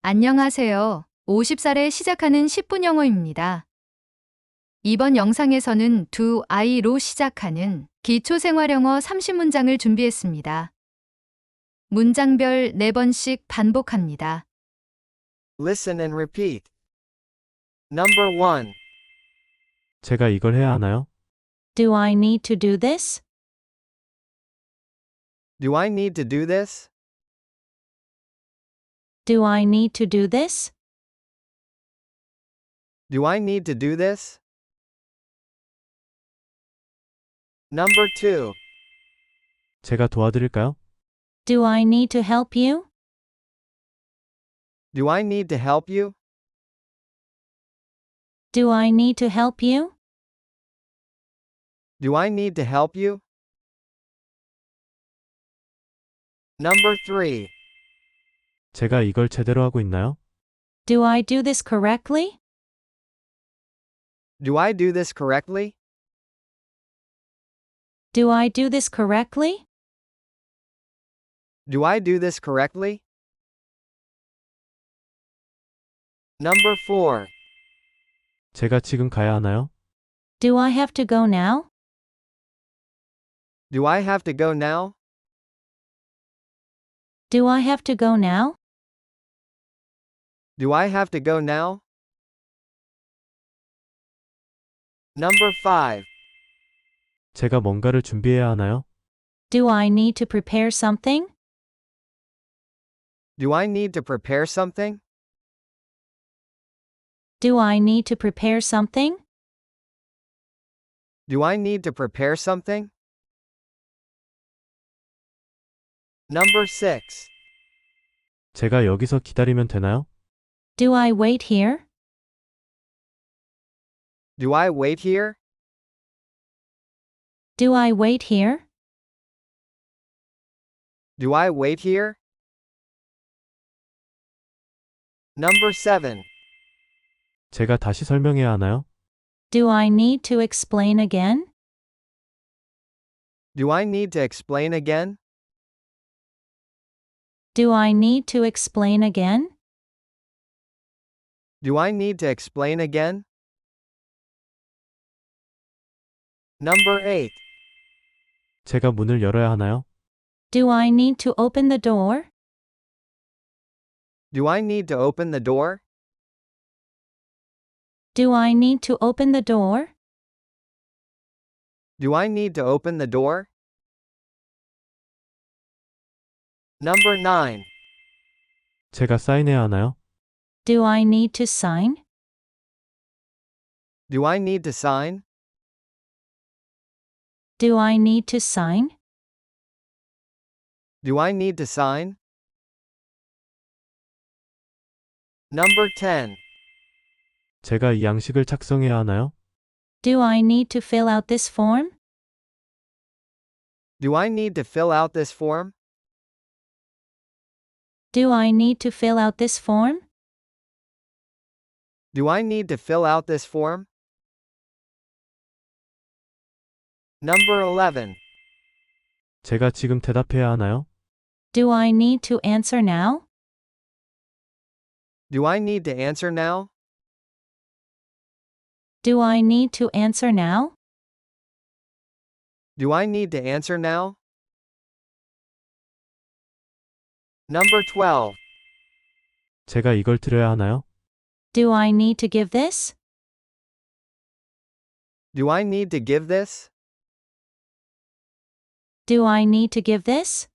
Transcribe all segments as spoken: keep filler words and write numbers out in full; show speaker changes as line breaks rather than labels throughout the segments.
안녕하세요. 오십 살에 시작하는 십 분 영어입니다. 이번 영상에서는 do I로 시작하는 기초생활영어 삼십 문장을 준비했습니다. 문장별 네 번씩 반복합니다.
Listen and repeat. Number one.
제가 이걸 해야 하나요?
Do I need to do this?
Do I need to do this?
Do I need to do this?
Do I need to do this? Number two.
제가 도와드릴까요?
Do I need to help you?
Do I need to help you?
Do I need to help you?
Do I need to help you? Number three.
제가 이걸 제대로 하고 있나요?
Do I do this correctly?
Do I do this correctly?
Do I do this correctly?
Do I do this correctly? Number four.
제가 지금 가야 하나요?
Do I have to go now?
Do I have to go now?
Do I have to go now?
Do I have to go now? Number five.
제가 뭔가를 준비해야 하나요?
Do I need to prepare something?
Do I need to prepare something?
Do I need to prepare something?
Do I need to prepare something? Number six.
제가 여기서 기다리면 되나요?
Do I wait here?
Do I wait here?
Do I wait here?
Do I wait here? Number seven.
제가 다시 설명해야 하나요?
Do I need to explain again?
Do I need to explain again?
Do I need to explain again?
Do I need to explain again? Number eight.
제가 문을 열어야 하나요?
Do I need to open the door?
Do I need to open the door?
Do I need to open the door?
Do I need to open the door? Number nine.
제가 사인해야 하나요?
Do I need to sign?
Do I need to sign?
Do I need to sign?
Do I need to sign? Number ten.
제가 이 양식을 작성해야 하나요?
Do I need to fill out this form?
Do I need to fill out this form?
Do I need to fill out this form?
Do I need to fill out this form? Number eleven.
제가 지금 대답해야 하나요?
Do I need to answer now?
Do I need to answer now?
Do I need to answer now?
Do I need to answer now? Number twelve.
제가 이걸 드려야 하나요?
Do I need to give this?
Do I need to give this?
Do I need to give this?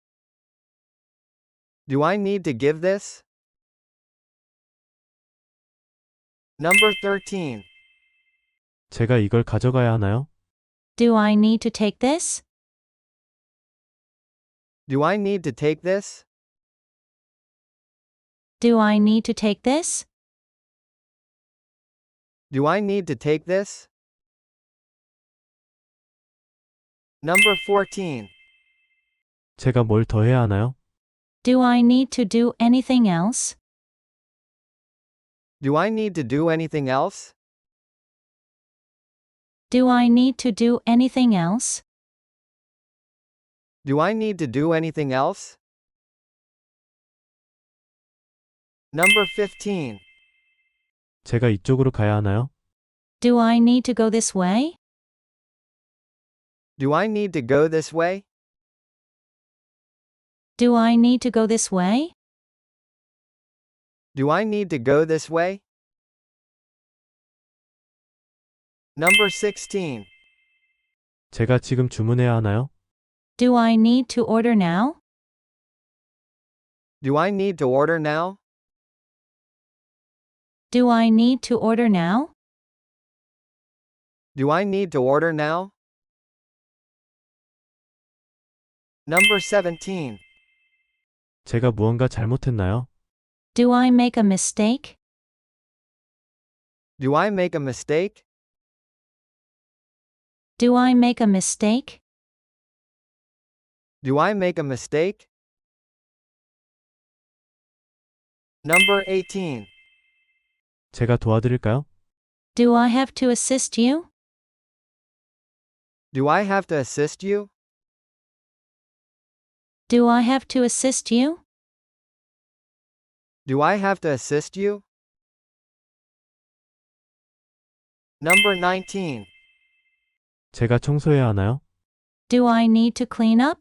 Do I need to give this? Number thirteen.
제가 이걸 가져가야 하나요?
Do I need to take this?
Do I need to take this?
Do I need to take this?
Do I need to take this? Number fourteen.
제가 뭘 더 해야 하나요?
Do I need to do anything else?
Do I need to do anything else?
Do I need to do anything else?
Do I need to do anything else? Number fifteen.
제가 이쪽으로 가야 하나요?
Do I need to go this way?
Do I need to go this way?
Do I need to go this way?
Do I need to go this way? Number sixteen.
제가 지금 주문해야 하나요?
Do I need to order now?
Do I need to order now?
Do I need to order now?
Do I need to order now? Number seventeen.
제가 무언가 잘못했나요?
Do I make a mistake?
Do I make a mistake?
Do I make a mistake?
Do I make a mistake? Number eighteen.
제가 도와드릴까요?
Do I have to assist you?
Do I have to assist you?
Do I have to assist you?
Do I have to assist you? Number nineteen.
제가 청소해야 하나요?
Do I need to clean up?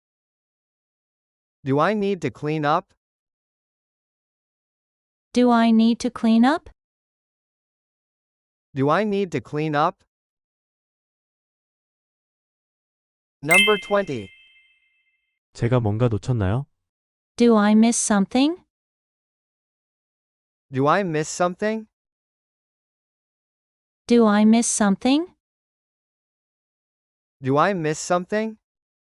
Do I need to clean up?
Do I need to clean up?
Do I need to clean up? Number twenty.
제가 뭔가 놓쳤나요?
Do I miss something?
Do I miss something?
Do I miss something?
Do I miss something?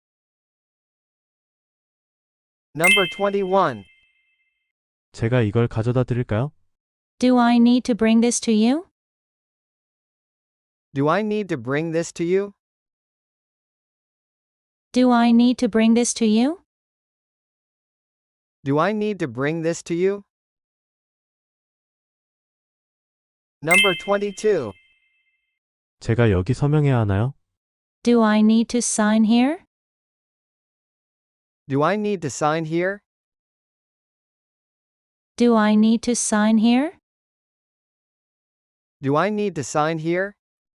Number twenty-one.
제가 이걸 가져다 드릴까요?
Do I need to bring this to you?
Do I need to bring this to you?
Do I need to bring this to you?
Do I need to bring this to you? Number twenty-two.
제가 여기 서명해야 하나요?
Do I need to sign here?
Do I need to sign here?
Do I need to sign here?
Do I need to sign here?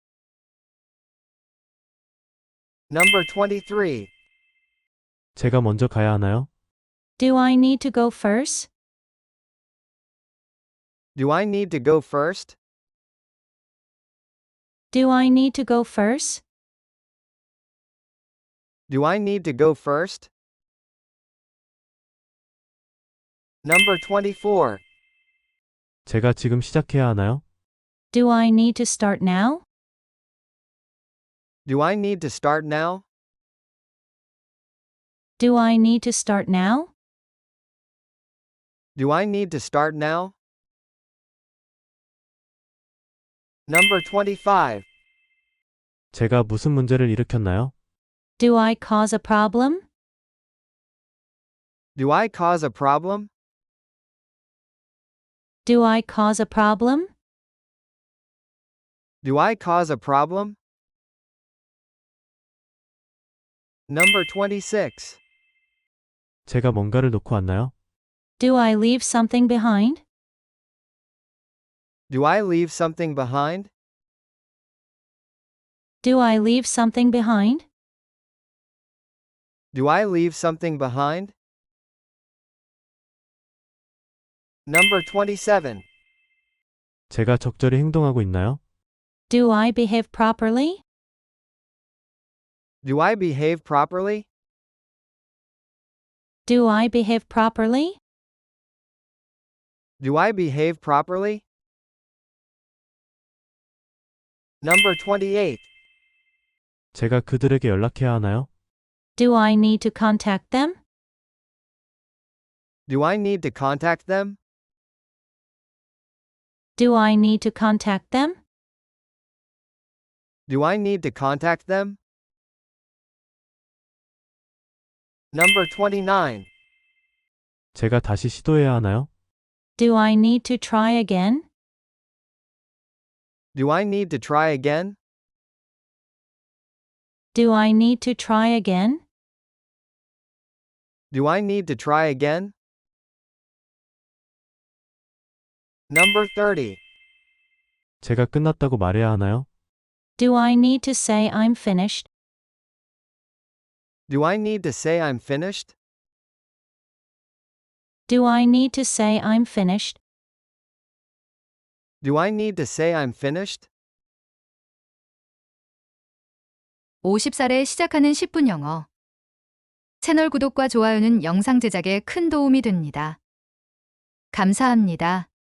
Number twenty-three.
제가 먼저 가야 하나요?
Do I need to go first?
Do I need to go first?
Do I need to go first?
Do I need to go first? Number twenty-four.
제가 지금 시작해야 하나요?
Do I need to start now?
Do I need to start now?
Do I need to start now?
Do I need to start now? Number twenty-five.
제가 무슨 문제를 일으켰나요?
Do I cause a problem?
Do I cause a problem?
Do I cause a problem?
Do I cause a problem? Number twenty-six.
제가 뭔가를 놓고 왔나요?
Do I leave something behind?
Do I leave something behind?
Do I leave something behind?
Do I leave something behind? Number twenty-seven.
제가 적절히 행동하고 있나요?
Do I behave properly?
Do I behave properly?
Do I behave properly?
Do I behave properly? Number twenty-eight.
제가 그들에게 연락해야 하나요?
Do I need to contact them?
Do I need to contact them?
Do I need to contact them?
Do I need to contact them? Number twenty-nine.
제가 다시 시도해야 하나요?
Do I need to try again?
Do I need to try again?
Do I need to try again?
Do I need to try again? Number thirty.
제가 끝났다고 말해야 하나요?
Do I need to say I'm finished?
Do I need to say I'm finished?
Do I need to say I'm finished?
Do I need to say I'm finished?
오십 살에 시작하는 십 분 영어. 채널 구독과 좋아요는 영상 제작에 큰 도움이 됩니다. 감사합니다.